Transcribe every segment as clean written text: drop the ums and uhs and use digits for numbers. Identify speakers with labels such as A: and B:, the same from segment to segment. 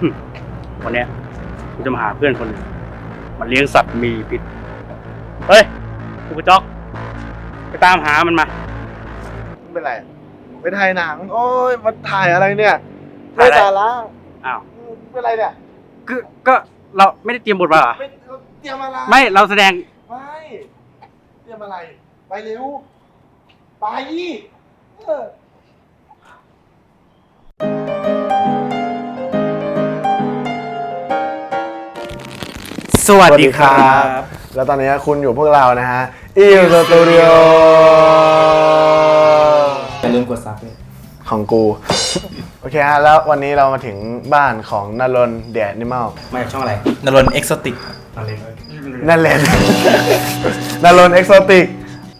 A: วันเนี้ยกูจะมาหาเพื่อนคนหนึ่งมันเลี้ยงสัตว์มีพิษเฮ้ยกูกระจอกไปตามหามันมา
B: ไม่เป็นไรไปถ่ายหนังโอ้ยมาถ่ายอะไรเนี่ยไม่สาระ
A: อ้าว
B: เป็นไรเนี่ย
A: ก็เราไม่ได้เตรียมบทมาเหรอ
B: ไม่เตรียมอะไร
A: ไม่เราแสดง
B: ไม่เตรียมอะไรไปเร็วไปเออ
A: สวัสดีครับ
B: แล้วตอนนี้คุณอยู่พวกเรานะฮะอีสตูดิโอ
C: อย่าลืมกดซับเลย
B: ของกู โอเคฮะแล้ววันนี้เรามาถึงบ้านของนรนเดดนิมอล
A: มาจากช่องอะไร
C: นรนเอ็กโซติก
B: นั่นแหละ นรนเอ็กโซติก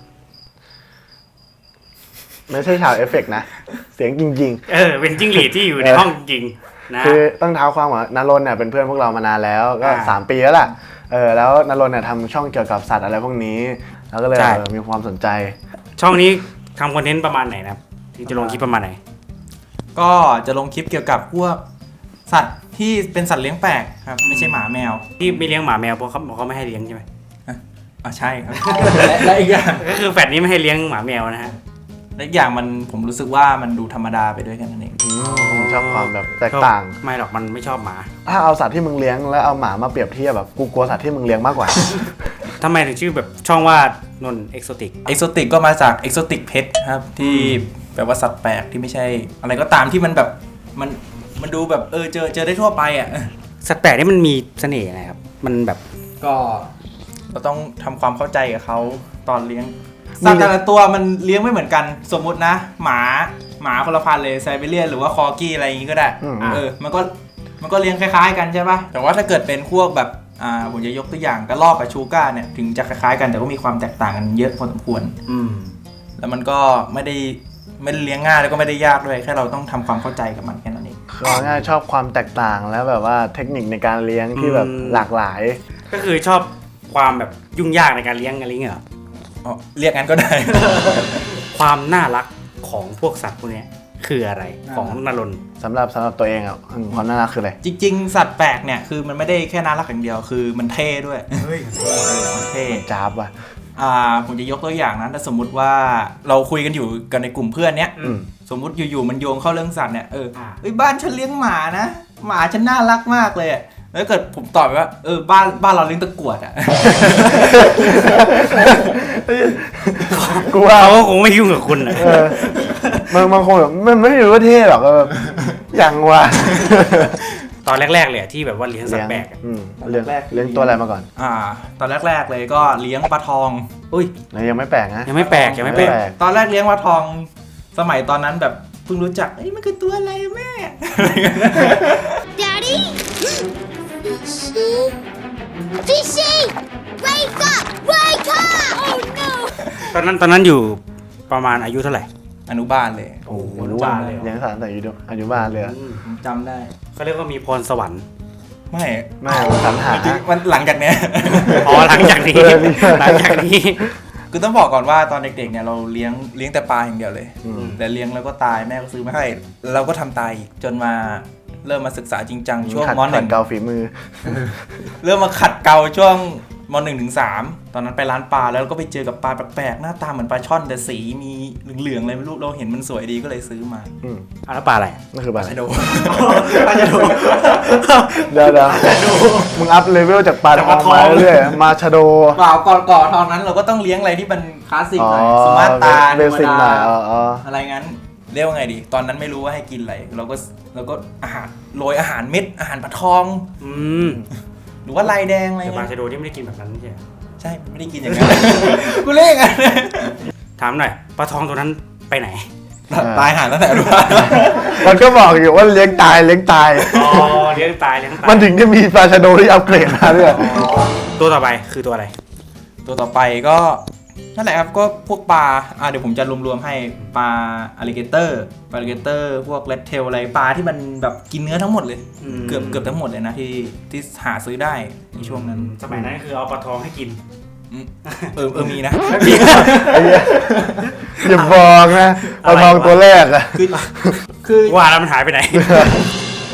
B: ไม่ใช่ฉากเอฟเฟกต์นะ เสียงจริง
A: เป็นจิ้งหรีดที่อยู่ในห้องจริงนะ
B: ๆ คือต้องเท้าความว่านรนเนี่ยเป็นเพื่อนพวกเรามานานแล้วก็3 ปีแล้วล่ะแล้วนรนเนี่ยทำช่องเกี่ยวกับสัตว์อะไรพวกนี้แล้วก็เลยมีความสนใจ
A: ช่องนี้ทำคอนเทนต์ประมาณไหนนะครับที่จะลงคลิปประมาณไหน
C: ก็จะลงคลิปเกี่ยวกับพวกสัตว์ที่เป็นสัตว์เลี้ยงแปลกครับไม่ใช่หมาแมว
A: ที่ไม่เลี้ยงหมาแมวเพราะเขาไม่ให้เลี้ยงใช่ไหม
C: ใช่ครับ และอีกอย่าง
A: ก็คือแฟดนี้ไม่ให้เลี้ยงหมาแมวนะฮะ
C: และอีกอย่างผมรู้สึกว่ามันดูธรรมดาไปด้วยกันนั่นเอง
B: ผมชอบความแบบแตกต่าง
A: ไม่หรอกมันไม่ชอบหมา
B: ถ้าเอาสัตว์ที่มึงเลี้ยงแล้วเอาหมามาเปรียบเทียบแบบกูกลัวสัตว์ที่มึงเลี้ยงมากกว่า
A: ทำไมถึงชื่อแบบช่องว่านนเอ็กโซติก
C: เอ็กโซติกก็มาจากเอ็กโซติกเพทครับที่แปลว่าสัตว์แปลกที่ไม่ใช่ อะไรก็ตามที่มันแบบมันดูแบบเจอได้ทั่วไปอ่ะ
A: สัตว์แปลกนี่มันมีเสน่ห์อะไรครับมันแบบ
C: ก็เราต้องทำความเข้าใจกับเขาตอนเลี้ยงสัตว์แต่ละตัวมันเลี้ยงไม่เหมือนกันสมมุตินะหมาคนละพันเลยไซบีเรียนหรือว่าคอกี้อะไรอย่างงี้ก็ได้มันก็เลี้ยงคล้ายๆกันใช่ปะแต่ว่าถ้าเกิดเป็นพวกแบบผมจะยกตัวอย่างกระรอกกับชูก้าเนี่ยถึงจะคล้ายๆกันแต่ก็มีความแตกต่างกันเยอะพอสมควรแล้วมันก็ไม่ได้เลี้ยงง่ายแล้วก็ไม่ได้ยากด้วยแค่เราต้องทำความเข้าใจกับมันแค่นั้นเอง
B: คือง่ายชอบความแตกต่างแล้วแบบว่าเทคนิคในการเลี้ยงที่แบบหลากหลาย
A: ก็คือชอบความแบบยุ่งยากในการเลี้ยงอะไรเงี้ยเหรอ
C: เรียกงั้นก็ได้
A: ความน่ารักของพวกสัตว์พวกนี้คืออะไรของนรน
B: สำหรับตัวเองอ่ะความน่ารักคืออะไร
C: จริงๆสัตว์แปลกเนี่ยคือมันไม่ได้แค่น่ารักอย่างเดียวคือมันเท่ด้วยมันเท่
B: จ้าบว่ะ
C: ผมจะยกตัวอย่างนะถ้าสมมุติว่าเราคุยกันอยู่กันในกลุ่มเพื่อนเนี้ยสมมุติอยู่ๆมันโยงเข้าเรื่องสัตว์เนี่ยบ้านฉันเลี้ยงหมานะหมาฉันน่ารักมากเลยแล้วเกิดผมตอบไปว่าบ้านเราเลี้ยงตะกรวดอ่ะ
B: กูว่า
A: เขาก็คงไม่ยุ่งกับคุณนะ
B: บางคนแบบมันไม่รู้ว่าเท่หรอกแบบอย่างว่ะ
A: ตอนแรกๆเลยที่แบบว่าเลี้ยงสัตว์แปลก
B: เลี้ยงตัวอะไรมาก่อน
C: ตอนแรกๆเลยก็เลี้ยงปลาทอง
A: อุ้ย
B: ยังไม่แปลกนะ
A: ยังไม่แปลก
C: ตอนแรกเลี้ยงปลาทองสมัยตอนนั้นแบบเพิ่งรู้จักมันคือตัวอะไรแม่
D: Daddy? Fishy! Wake up! Wake up! Oh no!
A: ตอนนั้นอยู่ประมาณอายุเท่าไหร่
C: อนุบาลเลย
B: โอ้โหรู้ว่าเลี้ยงสัตว์แต่อายุบ้านเลย
C: ผมจำได้
A: เขาเรียกว่ามีพรสวรรค์
C: ไม่
B: สรรหา
C: มันหลังจากเนี้ย
A: หลังจากนี้
C: คือต้องบอกก่อนว่าตอนเด็กๆเนี่ยเราเลี้ยงแต่ปลาอย่างเดียวเลยแต่เลี้ยงแล้วก็ตายแม่ก็ซื้อมาให้เราก็ทำตายจนมาเริ่มมาศึกษาจริงจังช่วงม.1
B: เกาฝีมือ
C: เริ่มมาขัดเกลาช่วงม.1 ถึง 3ตอนนั้นไปร้านปลาแล้วก็ไปเจอกับปลาแปลกๆหน้าตาเหมือนปลาช่อนแต่สีมีเหลืองๆอะไรไม่รู้เราเห็นมันสวยดีก็เลยซื้อมา
A: แล้วปลาอะไร
B: นั่นคือปลา
C: ชะโดปลาชะโด
B: เดี๋ยวมึงอัพเลเวลจากปลาทองมาเรื่อยมาชะโด
C: เปล่าก่อนตอนนั้นเราก็ต้องเลี้ยงอะไรที่มันคลาสสิกหน่อยสุมาตรา
B: เบสิกหน่อย
C: อะไรงั้นเรียกว่าไงดีตอนนั้นไม่รู้ว่าให้กินอะไรเราก็อาหารโรยอาหารเม็ดอาหารปลาทองหรือว่าลายแดงอะไร
A: แต่ปลา
C: เงี้ย
A: ชะโดที่ไม่ได้กินแบบนั้นใช่ไหม
C: ใช่ไม่ได้กินอย่างนั้น กูเรียกไง
A: ถามหน่อยปลาทองตัวนั้นไปไหน
C: ตายหาตั้งแต่รู้ว่า
B: มันก็บอกอยู่ว่าเลี้ยงตาย
A: เลี้ยงตาย
B: มันถึงจะมีปลาชะโดที่อัปเกรดมาด้วย
A: ตัวต่อไปคือตัวอะไร
C: ตัวต่อไปก็นั่นแหละครับก็พวกปลาเดี๋ยวผมจะรวมๆให้ปลาอลิเกเตอร์พวกเรดเทลอะไรปลาที่มันแบบกินเนื้อทั้งหมดเลยเกือบทั้งหมดเลยนะที่หาซื้อได้ในช่วงนั้น
A: สมัยนั้นคือเอาปลาทองให้กิน
C: มีนะ
B: อย่าบอกนะปลาทองตัวแรกอะ
C: คือ
A: ว่าแล้วมันหายไปไหน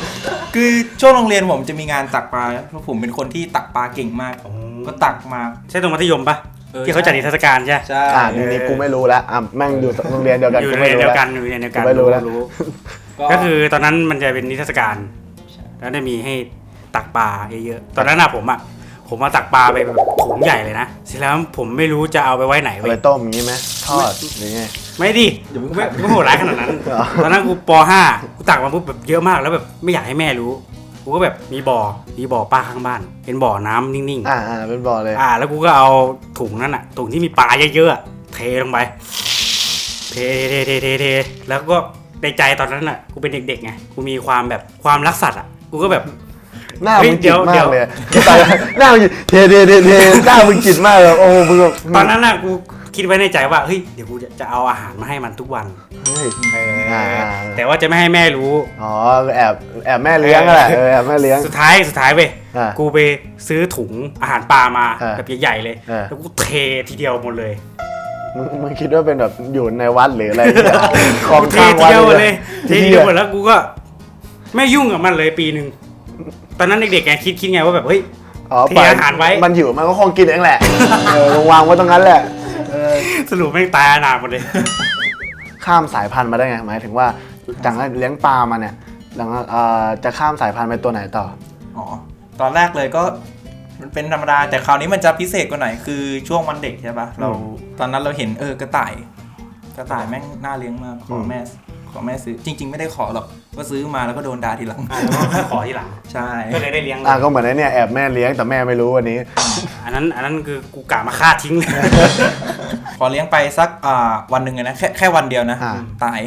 C: คือช่วงโรงเรียนผมจะมีงานตักปลาเพราะผมเป็นคนที่ตักปลาเก่งมากก็ตักมา
A: ใช่ตรงมัธยมปะที่เขาจัดนิทรรศการใช่
C: ใช่
B: นี่กูไม่รู้แล้วแม่งอยู่โรงเรียนเดียวกัน
A: อยู่
B: กู
A: ใน
B: ไม่
A: เดี
B: รู้
A: ยว
B: แล้ว
A: กันอยู่ในเดียวกัน
B: ไม่รู้แล้ว
A: ก็คือตอนนั้นมันจะเป็นนิทรรศการแล้วได้มีให้ตักปลาเยอะๆตอนนั้นผมมาตักปลาไปแบบถุงใหญ่เลยนะเสร็จแล้วผมไม่รู้จะเอาไปไว้ไหน
B: เอา
A: เว้
B: ไป
A: ย
B: ต้มอย่างนี้ไหมทอดหรือไง
A: ไม่ดิไม่โหดร้ายขนาดนั้น
B: เหรอ
A: ตอนนั้นกูป .5 กูตักมาปุ๊บแบบเยอะมากแล้วแบบไม่อยากให้แม่รู้กูก็แบบมีบ่อปลาข้างบ้านเป็นบ่อน้ำนิ่งๆ
B: เป็นบ่อเลย
A: แล้วกูก็เอาถุงนั้นอ่ะถุงที่มีปลาเยอะๆอะเทลงไปเทแล้วก็ในใจตอนนั้นอ่ะกูเป็นเด็กๆไงกูมีความรักสัตว์อ่ะกูก็แบบ
B: หน้า
A: เฮ้ย
B: มึงจิตมา
A: เดี๋
B: ก
A: ยว
B: เลยหน้ามึงเทหน้ามึงจิตมากเลยโอ้มึงแบบ
A: ตอนนั้นอ่ะกูคิดไว้ในใจว่าเฮ้ยเดี๋ยวกูจะเอาอาหารมาให้มันทุกวัน
B: เฮ้ย
A: แต่ว่าจะไม่ให้แม่รู้
B: อ๋อแอบแม่เลี้ยงอะแหละแอบแม่เลี้ยง
A: สุดท้ายเว้ย
B: อ่า
A: กูไปซื้อถุงอาหารปลามา
B: อ่า
A: แบบใหญ่ๆเลย
B: อ่า
A: แล้วกูเททีเดียวหมดเลย
B: มึงคิดว่าเป็นแบบอยู่ในวัดหรืออะไรเนี่ยของ
A: เท
B: ข้าง
A: ที
B: วัด
A: เดียวหมด
B: เล
A: เลย ยเททีเดียวหมดแล้วกูก็ไม่ยุ่งกับมันเลยปีหนึ่งตอนนั้นเด็กๆไงคิดไงว่าแบบเฮ้ย เทอาหารไว้
B: มันหิวมันก็คงกินเองแหละวางไว้ตรงนั้นแหละ
A: สรุปไม่งตายอนาถหมดเลย
B: ข้ามสายพันธุ์มาได้ไงหมายถึงว่าจากเลี้ยงปลามาเนี่ยหลังจะข้ามสายพันธุ์ไปตัวไหนต่อ
C: อ๋อตอนแรกเลยก็มันเป็นธรรมดาแต่คราวนี้มันจะพิเศษกว่าหน่อยคือช่วงวันเด็กใช่ปะเราตอนนั้นเราเห็นกระต่ายแม่งน่าเลี้ยงมากขอแม่ซื้อจริง ๆ ไม่ได้ขอหรอกก็ซื้อมาแล้วก็โดนด่าทีหลัง
A: ขอทีหลัง
C: ใช่
A: ก็เลยได้เลี้ยงเลย
B: ก็เหมือนไอ้เนี่ยแอบแม่เลี้ยงแต่แม่ไม่รู้วันนี้
A: อันนั้นคือกูกะมาฆ่าทิ้งเลย
C: พอเลี้ยงไปสักวันหนึ่งเลยนะแค่วันเดียวนะ ตาย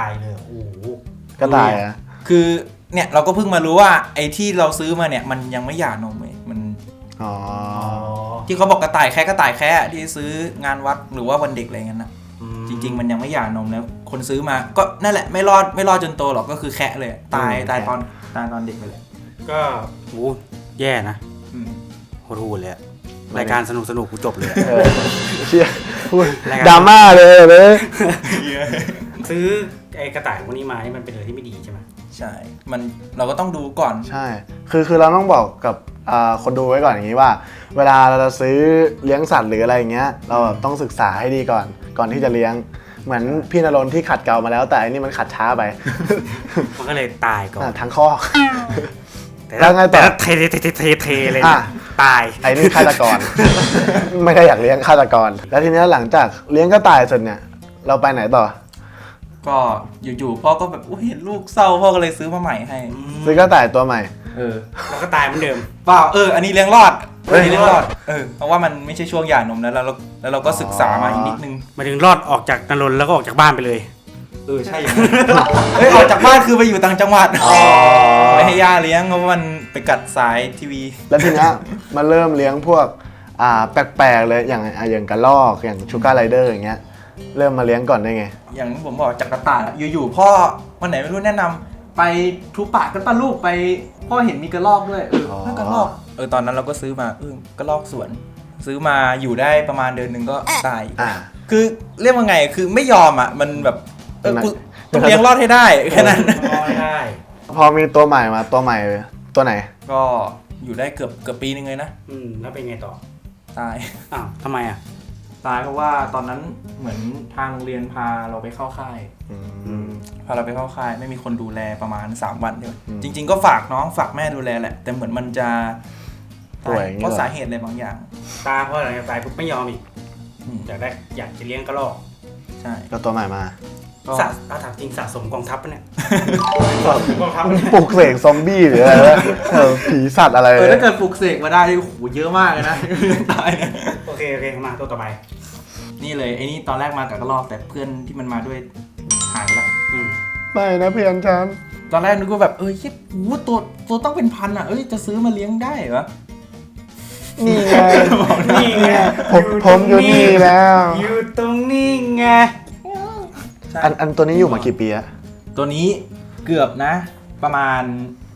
A: เลยโอ้โห
B: ก็ตายอ่ะ
C: คือเนี่ยเราก็เพิ่งมารู้ว่าไอ้ที่เราซื้อมาเนี่ยมันยังไม่หย่านมเลยมัน
B: อ๋อ
C: ที่เขาบอกกระต่ายแค่ที่ซื้องานวัดหรือว่าวันเด็กอะไรเงี้ยนะจริง ๆ มันยังไม่หย่านมแล้วคนซื้อมาก็นั่นแหละไม่รอดจนโตหรอกก็คือแค่เลยตายตอนเด็กไปเลย
A: ก็โหแย่นะโหดหูเลยอะรายการสนุกกูจบเลยอะ
B: เชี่ยพูด
A: รายการ
B: ดราม่าเลย
A: ซื้อไอ้กระต่ายพวกนี้มานี่มันเป็นอะไรที่ไม่ดีใช่ไหม
C: ใช่มันเราก็ต้องดูก่อน
B: ใช่คือเราต้องบอกกับคนดูไว้ก่อนอย่างนี้ว่า เวลาเราจะซื้อเลี้ยงสัตว์หรืออะไรอย่างเงี้ยเราแบบต้องศึกษาให้ดีก่อนที่จะเลี้ยงเหมือนพี่ณรนที่ขัดเกลามาแล้วแต่อันนี้มันขัดช้าไป
A: มันก็เลยตายก่อน
B: ทั้งข้อ
A: แล้วไงต่อเทเลย
B: อ่ะ
A: ตาย
B: ไอ้นี่ฆาตกร ไม่ได้อยากเลี้ยงฆาตกร แล้วทีนี้หลังจากเลี้ยงกระต่ายเสร็จเนี่ยเราไปไหนต่อ
C: ก็อยู่ๆพ่อก็แบบเห็นลูกเศร้าพ่อก็เลยซื้อมาใหม่ให้
B: ซื้อกระต่ายตัวใหม่
A: แล้วก็ตายเหมือนเดิม
C: เปล่าอันนี้เลี้ยงรอดอันนี้เลี้ยงรอดเพราะว่ามันไม่ใช่ช่วงหย่านมแล้วเราก็ศึกษามาอีกนิดนึง
A: มาถึงรอดออกจากนรนแล้วก็ออกจากบ้านไปเลย
C: ใช่อย่างนั้นออกจากบ้านคือไปอยู่ต่างจังหวัดไม่ให้ย่าเลี้ยงเพราะมันไปกัดสายทีวี
B: แล้วทีนี้มาเริ่มเลี้ยงพวกแปลกๆเลยอย่างกระรอกอย่างชูการ์ไรเดอร์อย่างเงี้ยเริ่มมาเลี้ยงก่อนได้ไง
C: อย่างผมบอกจากกระต่ายอยู่ๆพ่อวันไหนไม่รู้แนะนำไปทูป่ากันป้าลูกไปพ่อเห็นมีกระรอกด้วยกระรอกตอนนั้นเราก็ซื้อมากระรอกสวนซื้อมาอยู่ได้ประมาณเดือนหนึ่งก็ตายคือเรียกว่าไงคือไม่ยอมมันแบบกูต้องเลี้ยงรอดให้ได้แค่นั้น
B: พอมีตัวใหม่มาตัวใหม่ตัวไหน
C: ก็อยู่ได้เกือบปีนึงเลยนะ
A: แล้วเป็นไงต่อ
C: ตาย
A: อ้าวทำไมอ่ะ
C: ตายเพราะว่าตอนนั้นเหมือนทางโรงเรียนพาเราไปเข้าค่ายพาเราไปเข้าค่ายไม่มีคนดูแลประมาณ3 วันเดียวจริงๆก็ฝากน้องฝากแม่ดูแลแหละแต่เหมือนมันจะตายเพราะสาเหตุอะไรบางอย่าง
A: ตาเพราะอะไรตายปุ๊บไม่ยอมอีกอยากจะเลี้ยงกระรอก
C: ใช่
B: ก็ตัวใหม่มา
A: ถามจริงสะสมกองทัพปะเนี่ย
B: ปลุกเสกซอมบี้หรืออะไรวะผีสัตว์อะไร
C: ถ้าเกิดปลุกเสกมาได้โอ้โหเยอะมากเลยนะตายเนี่ย
A: โอเคมาตัวต่อไป
C: นี่เลยไอ้นี่ตอนแรกมากับกระรอกแต่เพื่อนที่มันมาด้วยหายไปแล้ว
B: ไม่นะเพื่อนฉัน
C: ตอนแรกนึกว่าแบบคิดตัวต้องเป็นพันจะซื้อมาเลี้ยงได้เหรอ
B: นี่ไงผมอยู่นี่แล้ว
A: อยู่ตรงนี้ไง
B: อันตัวนี้อยู่มากี่ปีอะ
C: ตัวนี้เกือบนะประมาณ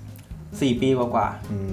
C: 4 ปีกว่า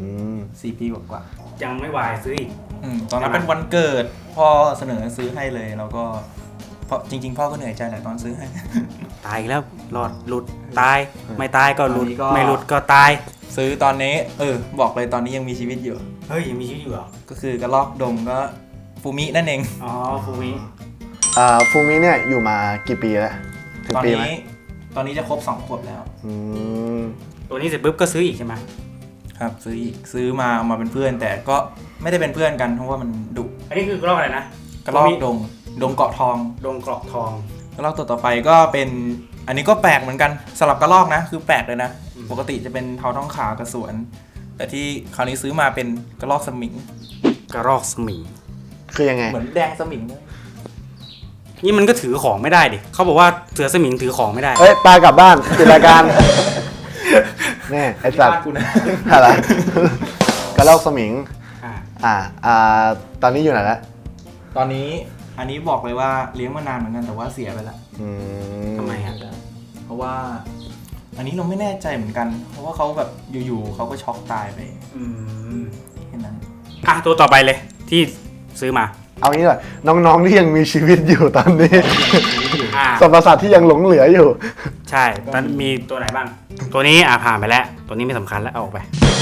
C: 4 ปีกว่า
A: ยังไม่วายซื้ออีก
C: ตอนนั้นเป็นวันเกิดพ่อเสนอซื้อให้เลยแล้วก็เพราะจริงๆพ่อก็เหนื่อยใจแหละตอนซื้อให้
A: ตายแล้วหลุดตายไม่ตายก็หลุดไม่หลุดก็ตาย
C: ซื้อตอนนี้บอกเลยตอนนี้ยังมีชีวิตอยู่
A: เฮ้ยยังมีชีวิตอยู่เหรอ
C: ก็คือกระรอกดงก็ฟูมินั่นเอง
A: อ๋อฟูมิ
B: ฟูมิเนี่ยอยู่มากี่ปีแล้วถึง
C: ตอน
B: ปีไหม
C: นี้จะครบ2 ขวบแล้ว
B: อืม
A: ตัวนี้เสร็จปุ๊บก็ซื้ออีกใช่ไหม
C: ครับซื้อมาเอามาเป็นเพื่อน แต่ก็ไม่ได้เป็นเพื่อนกันเพราะว่ามันดุ
A: อันนี้คือกระรอกอะไรนะ
C: กระรอกดงเกาะทอง
A: ดงกรอกทอง
C: กระรอกตัวต่อไปก็เป็นอันนี้ก็แปลกเหมือนกันสลับกระรอกนะคือแปลกเลยนะ ปกติจะเป็นเทาท้องขาวกระสวน แต่ที่คราวนี้ซื้อมาเป็นกระรอกสมิง
A: กระรอกสมิง
B: คือยังไง
C: เหมือนแดงสมิงเลย
A: นี่มันก็ถือของไม่ได้ดิเขาบอกว่าเสือสมิงถือของไม่ได้
B: เอ้ยปลากลับบ้านปิดรายการแน่ไอสัตว์
C: บ้านกูนะ
B: อะไรกระรอกสมิง
A: อ่า
B: ตอนนี้อยู่ไหนแล้ว
C: ตอนนี้อันนี้บอกเลยว่าเลี้ยงมานานเหมือนกันแต่ว่าเสียไปแล้ว
B: อืม
A: ทำไมอ่ะ
C: เพราะว่า อันนี้เราไม่แน่ใจเหมือนกัน เพราะว่าเขาแบบอยู่ๆเขาก็ช็อกตายไป
A: อืม
C: แค่นั้น
A: อ่ะตัวต่อไปเลยที่ซื้อมา
B: เอางี้เลยน้องๆที่ยังมีชีวิตอยู่ตอนนี้
A: อ่า
B: สรรพสัตว์ที่ยังหลงเหลืออยู่
A: ใช่ตอนมีตัวไหนบ้าง ตัวนี้ผ่านไปแล้ว ตัวนี้ไม่สำคัญแล้วเอาออกไป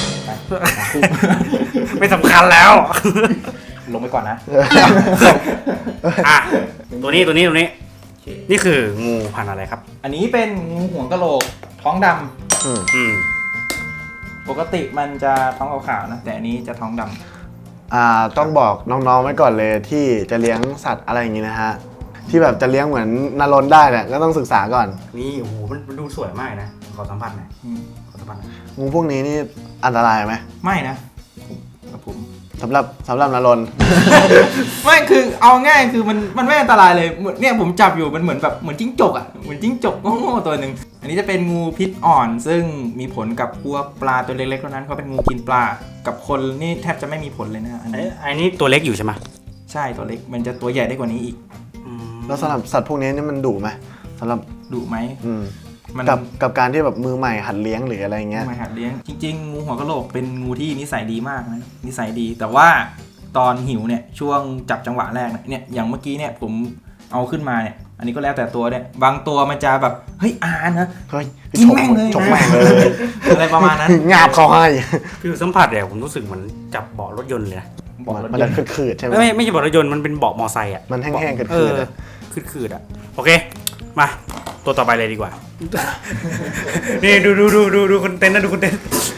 A: ไม่สำคัญแล้ว
C: ลงไปก่อนนะ
A: อ่ะตัวนี้นี่คืองูพันธุ์อะไรครับ
C: อันนี้เป็นงูหัวกะโหลกท้องดำ
A: อืม
C: ปกติมันจะท้องขาวๆนะแต่อันนี้จะท้องดำ
B: ต้องบอกน้องๆไว้ก่อนเลยที่จะเลี้ยงสัตว์อะไรอย่างงี้นะฮะที่แบบจะเลี้ยงเหมือนนารนได้เนี่ยก็ต้องศึกษาก่อน
A: นี่โอ้โหมันดูสวยมากนะขอสัมผัสหน่อยขอสัมผัสหน่อย
B: งูพวกนี้นี่อันตรายไหม
C: ไม่นะครับผม
B: สำหรับนารน
C: ไม่คือเอาง่ายคือมันไม่อันตรายเลยเหมือนเนี่ยผมจับอยู่มันเหมือนแบบเหมือนจิ้งจกอ่ะเหมือนจิ้งจกโง่ๆตัวหนึ่งอันนี้จะเป็นงูพิษอ่อน ซึ่งมีผลกับพวกปลาตัวเล็กๆเท่านั้นเขาเป็นงูกินปลากับคนนี่แทบจะไม่มีผลเลยนะอันนี้
A: อันนี้ตัวเล็กอยู่ใช่ไหม
C: ใช่ตัวเล็กมันจะตัวใหญ่ได้กว่านี้อีก
B: แล้วสำหรับสัตว์พวกนี้นี่มันดุไหมสำหรับ
C: ดุไหม มัน
B: กับการที่แบบมือใหม่หัดเลี้ยงหรืออะไรเงี้ย
C: มาหัดเลี้ยงจริงๆงูหัวกะโหลกเป็นงูที่นิสัยดีมากนะนิสัยดีแต่ว่าตอนหิวเนี่ยช่วงจับจังหวะแรกเนี่ยอย่างเมื่อกี้เนี่ยผมเอาขึ้นมาเนี่ยอันนี้ก็แล้วแต่ตัวเนี่ยบางตัวมันจะแบบเฮ้ยนะ
B: เฮ้ย
C: กินแม่งเลย
B: ฉกแม่งเลย
C: อะไรประมาณนั้น
B: งาบเขาให้
A: ผิวสัมผัสเนี่ยผมรู้สึกเหมือนจับเบาะรถยนต์เลยนะ
C: บอกรถ
B: มัน
C: ย
B: จะ
C: นต์
B: ขืดๆใช่ไหม
A: ไม่ใช่เบาะรถยนต์มันเป็นเบาะมอไซค์อ่ะ
B: มันแห้งๆขื
A: เอ
B: ด
A: อ
B: ๆอะ
A: คืดๆอ่ะโอเคมาตัวต่อไปเลยดีกว่า นี่ดูคนเต้นนะดูคนเต้น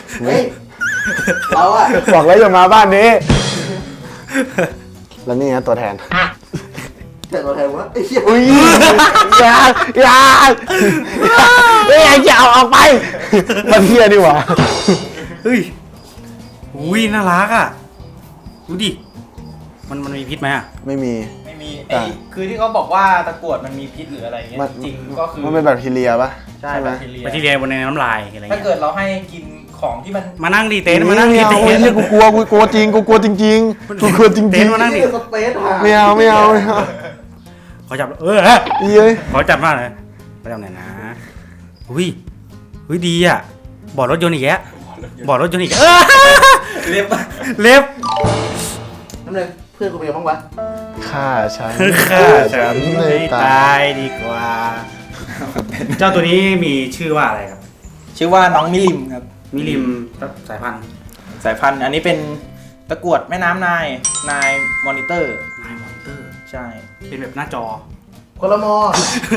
B: เราอะบอกแล้วอย่ามาบ้านนี้ แล้วนี่นะตัวแทน
E: แต่ตัวแทนว่าไอ้เหี้ย
B: อุ้ยอย่าเฮ้ยอย่าเอาออกไปมันเฮียดีหว่า
A: เฮ้ยอุ้ยน่ารักอ่ะดูดิมันมีพิษไหมอ่ะ
B: ไม่มี
C: ไม่มีไอ้คือที่เขาบอกว่าตะกรวดมันมีพิษหรืออะไรเงี้ย
B: มัน
C: จริงก็คือ
B: มันเป็นแบคทีเรียปะ
C: ใช่
B: ไห
C: แบ
B: ม
C: คทีเรีย
A: ไปที่เรียนบนในน้ำลายอะไร
C: ถ้า
A: เงี้ย
C: เกิดเราให้กินของที่มัน
A: มานั่งดิเต้นมานั่งดิ
B: ไม่เอา
A: เต้
B: ไอ้
A: น
B: เหี้ยกูกลัวจริงกูกลัวจริงๆกูกลัวจริง
A: เต้นมานั่งดิ
E: สเปซหา
B: ไม่เอา
A: ขอจับเฮ้ย
B: เย้ย
A: ขอจับมากเลยไปจับหน่อยนะอุ้ยดีอ่ะเบาะรถยนต์อีกแล้วเบาะรถยนต์อีกแล้ว
C: เรียบ
A: เล็บ
E: น้ำเลยเพื่อนกูเป็นยังไงบ้างวะ
B: ฆ่าฉัน
A: ฆ่าฉันให้ตายดีกว่า เจ้าตัวนี้มีชื่อว่าอะไรครับ
C: ชื่อว่าน้องมิลิมครับ
A: มิลิมสายพันธุ์
C: สายพันธุ์อันนี้เป็นตะกรวดแม่น้ำนายมอนิเตอร์
A: นายมอนเตอร์
C: ใช่
A: เป็นแบบหน้าจอ
E: คนละมอ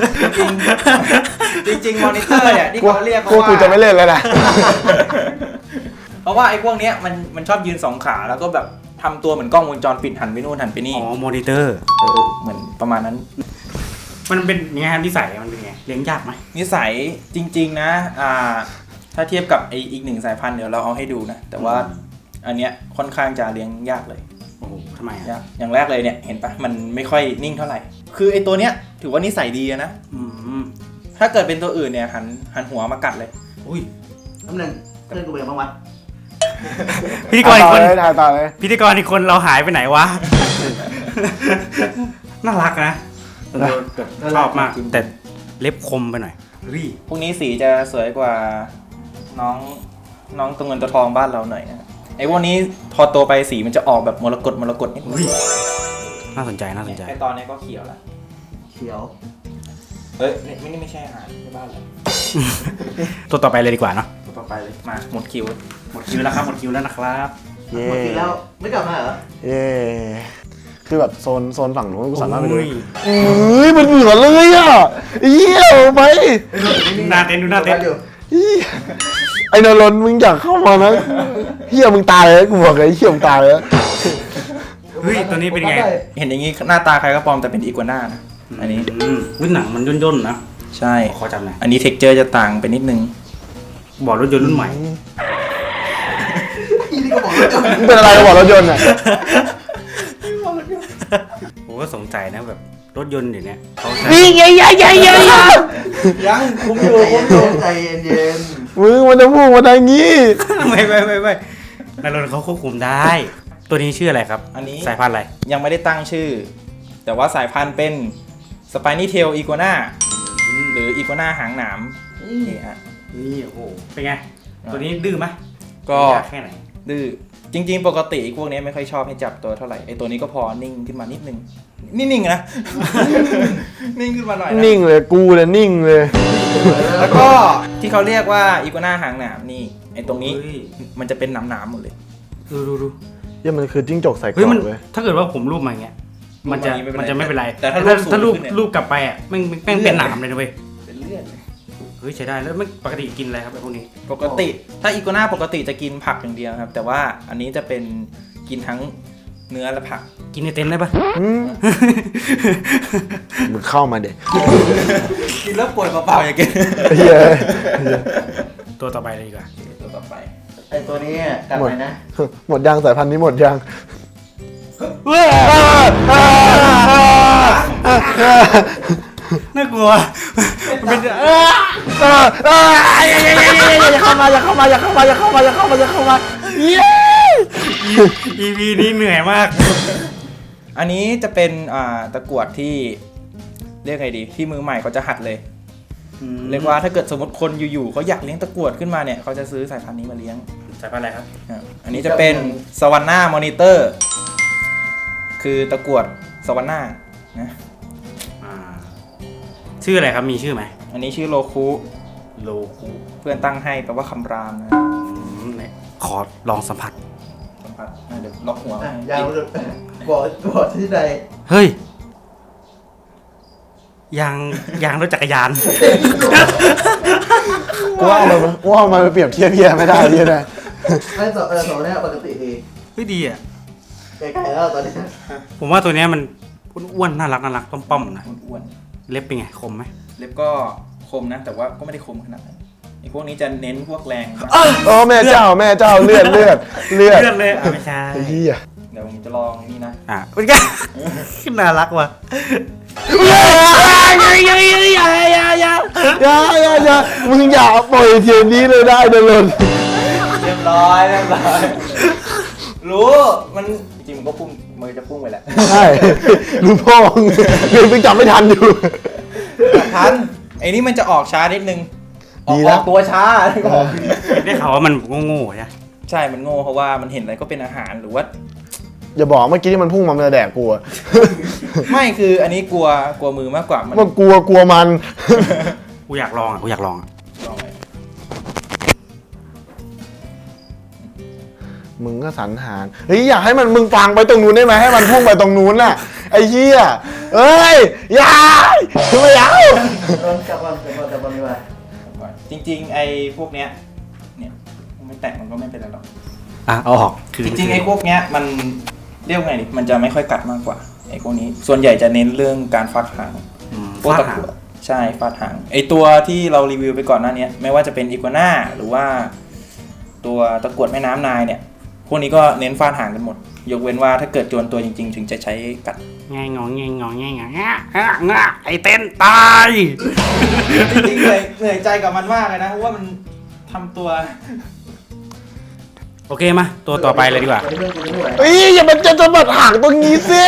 C: จริงมอนิเตอร์เนี่ยที่เขาเรียก
B: กู
C: ว่า
B: จะไม่เล่นแล้วนะ
C: เพราะว่าไอ้พวกเนี้ยมันชอบยืน2 ขาแล้วก็แบบทำตัวเหมือนกล้องวงจรปิดหันไปนู่นหันไปนี่
A: อ๋อมอนิเตอร์
C: เหมือนประมาณนั้น
A: มันเป็นยังไงครับนิสัยมันเป็นไงเลี้ยงยากไหม
C: นิสัยจริง ๆ นะถ้าเทียบกับอีก1 สายพันธุ์เดี๋ยวเราเอาให้ดูนะแต่ว่าอันเนี้ยค่อนข้างจะเลี้ยงยากเลย
A: โอ้โหทำไมอ่ะ
C: ยากอย่างแรกเลยเนี่ยเห็นปะมันไม่ค่อยนิ่งเท่าไหร่ คือไอ้ตัวเนี้ยถือว่านิสัยดีอะนะ
A: อืม
C: ถ้าเกิดเป็นตัวอื่นเนี่ยหันหัวมากัดเลย
A: อุ้ย
E: น้ำหนึ่งเพื่อนกูเป็นยังไงบ้างวะ
A: พิธีกรอีกคน
B: ถ่ายต่อเลย
A: พิธีกรอีกคนเราหายไปไหนวะ น่ารักนะชอบมากแต่เล็บคมไปหน่อยเฮ้ย
C: พวกนี้สีจะสวยกว่าน้องตัวเงินตัวทองบ้านเราหน่อยนะไอ้พวกนี้พอโตไปสีมันจะออกแบบมรกตนิดนึง
A: น่าสนใจน่าสนใจ
C: ไอ้ตอนนี้ก็เขียวแล้ว
E: เขียว
C: เอ้ยนี่ไม่ใช่อาหารในบ้านเลย
A: ตัวต่อไปเลยดีกว่าเนาะ
C: ตต่อไปเลยมาหมดคิว
A: หมดคิวแล้วครับหมดคิวแล้วนะครับ
B: เย่
E: หมดทีแล้วไม่กลับมาเหรอ
B: เย่คือแบบโซนฝั่งนู้นกูสามารถไปดู
A: โอ้ย
B: เฮ้ยมันเหมือนเลยอ่ะเหี้ยไป
A: หน้าเต้นดูหน้าเต้น
E: อยู่
B: เหี้ยไอ้นรนมึงอยากเข้ามานะเฮียมึงตายเลยกูบอกเลยเฮียมึงตายเลย
A: เฮ้ยตัวนี้เป็นไง
C: เห็นอย่างนี้หน้าตาใครก็ปลอมแต่เป็นอีกัวน่านะอันนี้
A: รุ่นหนังมันย่นๆนะ
C: ใช่
A: ขอจำหน่อย
C: อันนี้เท็กเจอร์จะต่างไปนิดนึง
A: บอกรถยนต์รุ่นใหม่
E: อีนี่ก็บอกแล้วจบ
B: มึงเป็นอะไรกับบอกรถยนต์อ่ะ
A: ผมก็สงสัยนะแบบรถยนต์เดี๋ยวนี้เขาใช้
B: นี่ไง
C: ยังคุมอยู่คุมอยู่
E: ใจเย็น
B: มึงมันจะพูดมาได้งี้
A: ไม่ในรถเขาควบคุมได้ ตัวนี้ชื่ออะไรครับ
C: อันนี้
A: สายพันธุ์อะไร
C: ยังไม่ได้ตั้งชื่อ แต่ว่าสายพันธุ์เป็นสไปนี่เทลอีกัวน่าหรืออีกัวน่าหางหนามนี่ฮะ
A: นี่โอ้โหเป็นไง ตัวนี้ดื้อไหม
C: ก็
A: ยากแค่ไหน
C: ดื้อจริง ๆ ปกติพวกนี้ไม่ค่อยชอบให้จับตัวเท่าไหร่ไอตัวนี้ก็พอนิ่งขึ้นมานิดนึงนิ่งๆนะ นิ่งขึ้นมาหน่อยนะ
B: นิ่งเลยกูเลยนิ่งเลย
C: แล้วก็ที่เขาเรียกว่าอีกัวน่าหางหนามนี่ไอตรงนี้
A: เฮ้ย
C: มันจะเป็นหนามๆหมดเลย
A: ดู
B: เหี้ยมันคือจิ้งจกใส่กร
A: เฮ้ย
B: อ
A: มัน
B: บเว้ย
A: ถ้าเกิดว่าผมรูปมาอย่างเงี้ยมันจะ
C: รูปมาอย่างงี้
A: มันจะไม่เป็นไร
C: แต่ถ้า
A: ถ้า
C: รู
A: รู
C: ป
A: ป
C: สูงขึ้นเนี่ย
A: รูปกลับไปอ่ะแม่งเป็นหนามเลยนะเว้ย
C: เป็นเลือดเลย
A: เฮ้ยใช้ได้แล้วมันปกติกินอะไรครับไอ้พวกนี้
C: ปกติถ้าอีกัวน่าปกติจะกินผักอย่างเดียวครับ แต่ว่าอันนี้จะเป็นกินทั้งเนื้อและผัก
A: กินในเต็นท์ได้ปะ
B: มึงเข้ามาเด็ก
C: กินแล้วป่วยเปล่าๆอย่างเงี้ย
B: เฮีย
A: ตัวต่อไปเลยดีกว่า
C: ตัวต่อไป
E: ไอตัวนี้กลับไปนะ
B: หมดยางสายพันธุ์นี้หมดยาง
A: น่ากลัวมันเป็น
B: อย่าเข้ามาอย่าเข้ามาอย่าเข้ามาอย่าเข้ามาอย่าเข้ามาอย่าเข้ามาเย้
A: EP นี้เหนื่อยมาก
C: อันนี้จะเป็นตะกรวดที่เรียกไงดีที่มือใหม่เขาจะหัดเลย เรียกว่าถ้าเกิดสมมติคนอยู่ๆเขาอยากเลี้ยงตะกรวดขึ้นมาเนี่ยเขาจะซื้อสายพันธุ์นี้มาเลี้ยง
A: สายพันธุ์อะไรครับ
C: อันนี้จะเป็นสว a นนามอนิเตอร์คือตะกรวดสว a นนานะ
A: ชื่ออะไรครับมีชื่อไหม
C: อันนี้ชื่อโลคุ
A: โลคู
C: เพื่อนตั้งให้แปลว่าคำรามนะ
A: ขอลองสัมผัส
C: สัมผัสเดี๋ยวล็อกหัว
E: อ่ะยาวเลยบอกที่ใด
A: เฮ้ยยางรถจักรยาน
B: กูว่าเอามาเปรียบเทียบเฮียไม่ได้เฮียนะ
E: ไอ้สองเนี่ยปกติดี
A: เฮ้ยดีอ่ะ
E: ไกลๆแล้วตอนนี้
A: ผมว่าตัวเนี้ยมันอ้วนๆน่ารักป้อมๆนะ
C: อ้วน
A: เล็บเป็นไงคมไหม
C: ๆเล็บก็คมนะ แต่ว่าก็ไม่ได้คมขนาดนั้นไอ้พวกนี้จะเน้นพวกแรงมาก
B: โอ้แม่เจ้าเลือด
A: เลือดเลยอ่ะไม่ใช่
B: ไอ้เฮีย
C: เดี๋ยวผมจะลองนี่นะ
A: เป็นไง น่ารักว่ะ
B: อย่ามึงอย่าปล่อยเทียนนี้เลยได้เดินเลย
C: เรียบร้อยรู้มันจริงมันก็พุ่งมือจะพุ่งไปแหละ
B: ใช่รู้พ่อเดินไปจับไม่ทันอยู่
C: ทันไอ้นี่มันจะออกช้านิดนึงอ
B: ดี
C: อก
B: แล้ว
C: ตัวช้าก็ออก
A: ได้ข่าวว่ามันโง่ๆใช่
C: ใช่มันโง่เพราะว่ามันเห็นอะไรก็เป็นอาหารหรือว่า
B: อย่าบอกเมื่อกี้ที่มันพุ่งมาจะแดกกูอะ
C: ไม่คืออันนี้กลัวมือมากกว่ามัน
B: มันกลัวมัน
A: กูอยากลองอ่ะ
C: ลองไป
B: มึงก็สรรหารเฮ้ยอยากให้มันมึงฟังไปตรงนู้นได้ไหมให้มันพุ่งไปตรงนู้นน่ะไอ้เหี้ยเอ้ยอย่าไม่เอา
E: กลับวันดีกว่า
C: จริงๆไอ้พวกเนี้ยเนี่ยไม่แตะมันก็ไม่เป็นไรหรอก
A: อ่ะเอาออกคือ
C: จริงๆไอ้พวกเนี้ยมันเรียกไงดิมันจะไม่ค่อยกัดมากกว่าไอ้พวกนี้ส่วนใหญ่จะเน้นเรื่องการฟาดหางพวก
A: ฟาด
C: ตะ
A: หาก ง
C: รวดใช่ฟาดหางไอ้ตัวที่เรารีวิวไปก่อนหน้านี้ไม่ว่าจะเป็นอีกัวน่าหรือว่าตัวตะกรวดแม่น้ำนายเนี่ยพวกนี้ก็เน้นฟาดหางกันหมดยกเว้นว่าถ้าเกิดโจรตัวจริงๆ ถึงจะใช้กัด
A: ไงงไอเต้นตาย
C: จริงๆเหนื่อยใจกับมันมากเลยนะเพราะว่ามันทำตัว
A: โอเคมาตัวต่อไปเลยดีกว่า
E: เพื่อนกูไม่ไหว
B: เฮ้ยอย่ามันจะสะบัดหางตรงนี้สิ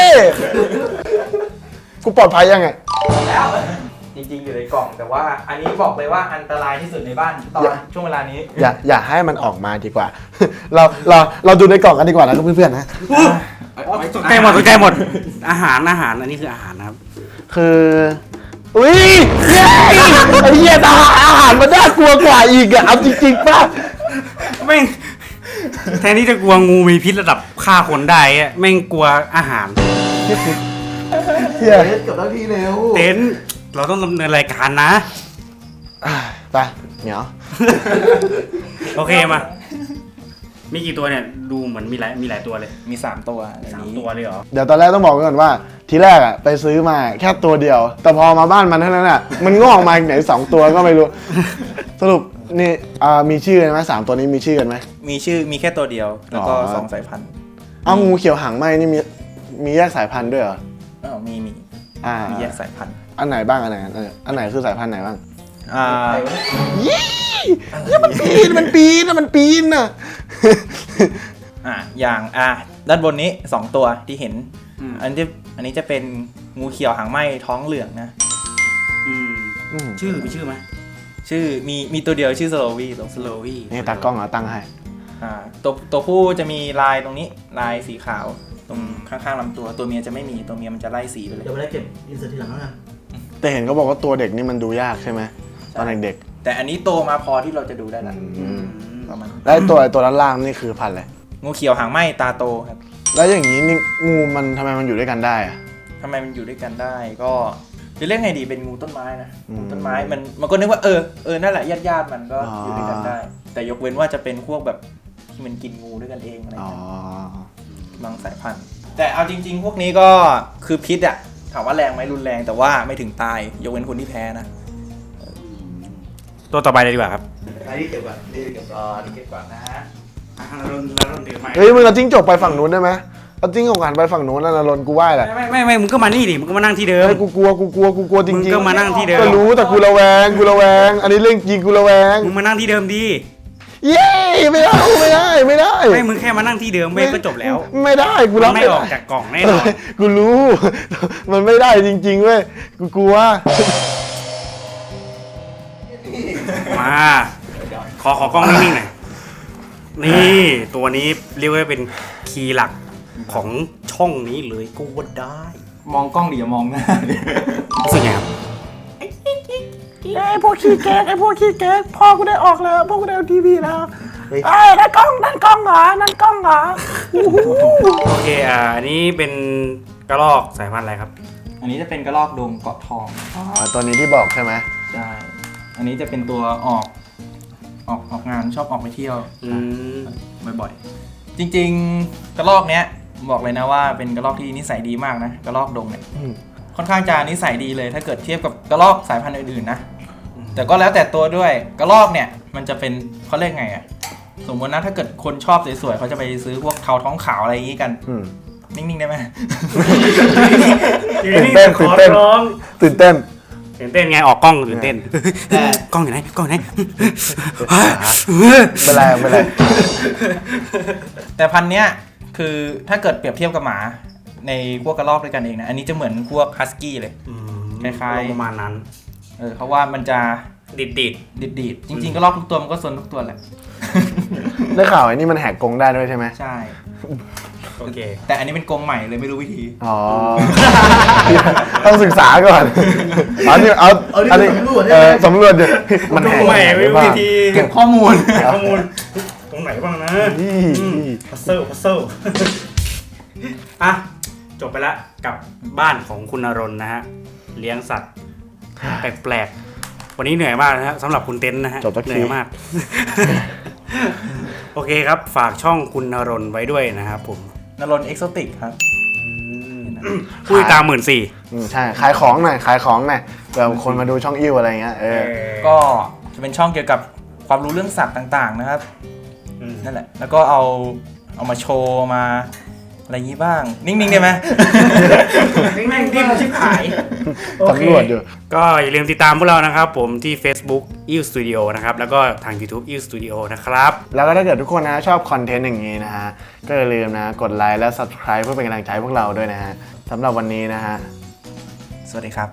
B: กูปลอดภัยยังไง
C: แล้วจริงๆอยู่ในกล่องแต่ว่าอันนี้บอกเลยว่าอันตรายที่สุดในบ้านตอนช่วงเวลานี้
B: อย่าให้มันออกมาดีกว่า เราดูในกล่องกันดีกว่านะเพื่อนๆนะ
A: ตกใจหมดอาหารอันนี้คืออาหารนะครับ
B: คืออุ้ยเย้ไอ้เหี้ยอาหารมันน่ากลัวกว่าอีกอะเอาจริงๆป่ะ
A: แม่งแทนที่จะกลัวงูมีพิษระดับฆ่าคนได้อะแม่งกลัวอาหาร
B: เหี้ย
E: เล่นกับหน้าที่เร็ว
A: เต้นเราต้องดำเนินรายการนะ
B: ไปเหนียว
A: โอเคมา มีกี่ตัวเนี่ย ดูเหมือนมีหลายตัวเลย
C: มี 3 ตัวใน
A: 3
C: นี้
A: ตัวเลยเหรอ
B: เดี๋ยวตอนแรกต้องบอกไว้ก่อนว่า ทีแรกอะไปซื้อมาแค่ตัวเดียว แต่พอมาบ้านมันเท่านั้นอะมันงอกมาอีกไหน2 ตัวก็ไม่รู้ สรุปนี่มีชื่อกันไหม3 ตัวนี้มีชื่อกันไหม
C: มีชื่อมีแค่ตัวเดียว แล้วก็
B: อ๋อ
C: 2 สายพันธุ์
B: เอางูเขียวหางไหมนี่มีแยกสายพันธุ์ด้วยเหรอ
C: มี
B: อ่า
C: มีแยกสายพันธุ์
B: อันไหนบ้างอันไหนคือสายพันธุ์ไหนบ้าง
C: อ่า
B: มันปีนน่ะ
C: อย่างด้านบนนี้ 2 ตัวที่เห็น
A: อืม
C: อันนี้จะเป็นงูเขียวหางไหม้ท้องเหลืองนะ
A: ชื่อมีชื่อไหม
C: ชื่อมีตัวเดียวชื่อสโลวี
A: สโลวี่
B: นี่ตากล้องเหรอตั้งให้
C: ตัวผู้จะมีลายตรงนี้ลายสีขาวตรงข้างๆลำตัวเมียจะไม่มีตัวเมียมันจะไล่สีไปเลย
E: เดี๋ยวไม่ได้เก็บอินเสิร์ตทีหลังแล้วกัน
B: แต่เห็นเขาบอกว่าตัวเด็กนี่มันดูยากใช่ไหมตอนเด็ก
C: แต่อันนี้โตมาพอที่เราจะดูได้แล้ว
B: ๆ
C: ประมาณ
B: แล้วไอ้ตัวด้านล่างนี่คือพันธุ์อะไร
C: งูเขียวหางไหม้ตาโตครับ
B: แล้วอย่างนี้นี่งูมันทำไมมันอยู่ด้วยกันได้อะ
C: ทำไมมันอยู่ด้วยกันได้ก็จะเรียกไงดีเป็นงูต้นไม้นะ
B: อืม
C: งูต้นไม้มันก็นึกว่านั่นแหละญาติมันก็
B: อ๋อ
C: อ
B: อ
C: ยู่ด้วยกันได้ แต่ยกเว้นว่าจะเป็นพวกแบบที่มันกินงูด้วยกันเองอะไร
B: อ๋อ
C: เงี้ยบางสายพันธุ์ แต่เอาจริง ๆ พวกนี้ก็คือพิษอะถามว่าแรงไหมรุนแรงแต่ว่าไม่ถึงตายยกเว้นคนที่แพ้นะ
A: ตัวต่อไปเลยดีกว่าครับ
E: อันนี้เก็บก่อนนี่เก็บก่อน
C: เก็บก่อนนะ
A: แล้วเราถือไม้
B: เฮ้ยมึงเอาจิ้งจกไปฝั่งนู้นได้ไหมเอาจิ้งจกหันไปฝั่งนู้นแล้วนะรนกูไหว้แหละ
A: ไม่มึงก็มานี่ดิมึงก็มานั่งที่เดิม
B: เฮ้ยกูกลัวจริงๆ
A: มึงก็มานั่งที่เดิม
B: ก็รู้แต่กูระแวงอันนี้เรื่องจริงกูระแวง
A: มึงมานั่งที่เดิมดี
B: เย้ไม่ได้
A: ไม่มึงแค่มานั่งที่เดิมเว้ยก็จบแล้ว
B: ไม่ได้กูรับ
A: ไม่
B: ไม่
A: อ
B: ได้
A: อกจากกล่องแน่นอน
B: กูรู้ มันไม่ได้จริงๆเว้ยกูกลัว
A: มาขอกล้องนิ่งๆหน่อยนี่ตัวนี้เรียกว่าเป็นคีย์หลักของช่องนี้เลยก็ว่าได้
C: มองกล้องดิอย่ามองหน้าดิ
A: รู้สึกไงครับ
B: ไอ้พวกขี้แกงพ่อกูได้ออกแล้วพ่อกูได้เอาทีวีแล้วนั่นกล้องเหรอ
A: โอเคอันนี้เป็นกระรอกสายพันธุ์อะไรครับ
C: อันนี้จะเป็นกระรอกดงเกาะทอง
B: อ๋อตัวนี้ที่บอกใช่ไหม
C: ใช่อันนี้จะเป็นตัวออกงานชอบออกไปเที่ยว บ่อยๆ จริงๆ กระรอกเนี้ยบอกเลยนะว่าเป็นกระรอกที่นิสัยดีมากนะกระรอกดงเนี่ยค่อนข้างจะนิสัยดีเลยถ้าเกิดเทียบกับกระรอกสายพันธุ์อื่นๆนะแต่ก็แล้วแต่ตัวด้วยกระรอกเนี่ยมันจะเป็นเขาเรียกไงอะสมมตินะถ้าเกิดคนชอบสวยๆเขาจะไปซื้อพวกเทาท้องขาวอะไรอย่างงี้กันนิ่งๆได้ไหม
B: ตื่นเต้น
A: ตื่นเต้นไงออกกล้องตื่นเต้นกล้องอยู่ไหนกล้องอยู่ไหน
B: ไม่เป็นไร
C: แต่พันธุ์เนี้ยคือถ้าเกิดเปรียบเทียบกับหมาในพวกกระรอกด้วยกันเองนะอันนี้จะเหมือนพวกฮัสกี้เลยคล้ายๆ
A: ประมาณนั้น
C: เพราะว่ามันจะ
A: ดิด
C: ดีดจริงๆก็ลอกทุกตัวมันก็ซนทุกตัวแหละ
B: ได้ข่าวไอ้นี่มันแหกกรงได้ด้วยใช่ไหม
C: ใช่
A: โอเค
C: แต่อันนี้เป็นกรงใหม่เลยไม่รู้วิธี
B: อ๋อ ต้องศึกษาก่อนอันนี้อันนี้สำรวจเนี่ยมันแหก
A: ใหม่ไม่รู้วิธี
C: เก็บข้อมูล
A: ข้อมูลตรงไหนบ้างนะพัซเซิลอ่ะจบไปแล้วกับบ้านของคุณณรนนะฮะเลี้ยงสัตว์แปลกๆวันนี้เหนื่อยมากนะฮะสำหรับคุณเต้นนะฮะ
B: จบสักที
A: เหนื่อยมาก โอเคครับฝากช่องคุณณรนไว้ด้วยนะครับผม
C: นรนเอ็กโซติกครับ
A: ผู้ติดตาม14,000
B: ใช่ขายของหน่อยเผื่อคนมาดูช่องอิ่วอะไรเงี้ย
C: ก็จะเป็นช่องเกี่ยวกับความรู้เรื่องสัตว์ต่างๆนะครับนั่นแหละแล้วก็เอามาโชว์มาอะไรอย่างนี้บ้างนิ่งๆได้ไหม
A: นิ่งๆที่มันชิบหาย
B: สำรวจอยู่
A: ก็อย่าลืมติดตามพวกเรานะครับผมที่ Facebook Ill Studio นะครับแล้วก็ทาง YouTube Ill Studio นะครับ
B: แล้วก็ถ้าเกิดทุกคนนะชอบคอนเทนต์อย่างนี้นะฮะก็อย่าลืมนะกดไลค์และ Subscribe เพื่อเป็นกำลังใจให้พวกเราด้วยนะฮะสำหรับวันนี้นะฮะ
C: สวัสดีครับ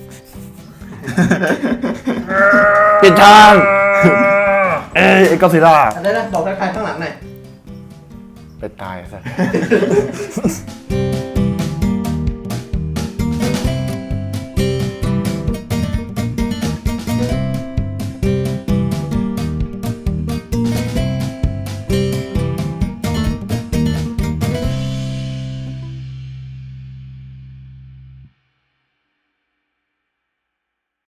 B: ปิดทางไอ้ก็ซิล่า
E: อันนี้นะบอกทักทายข้างหลังหน่อย
B: ไปตายซะ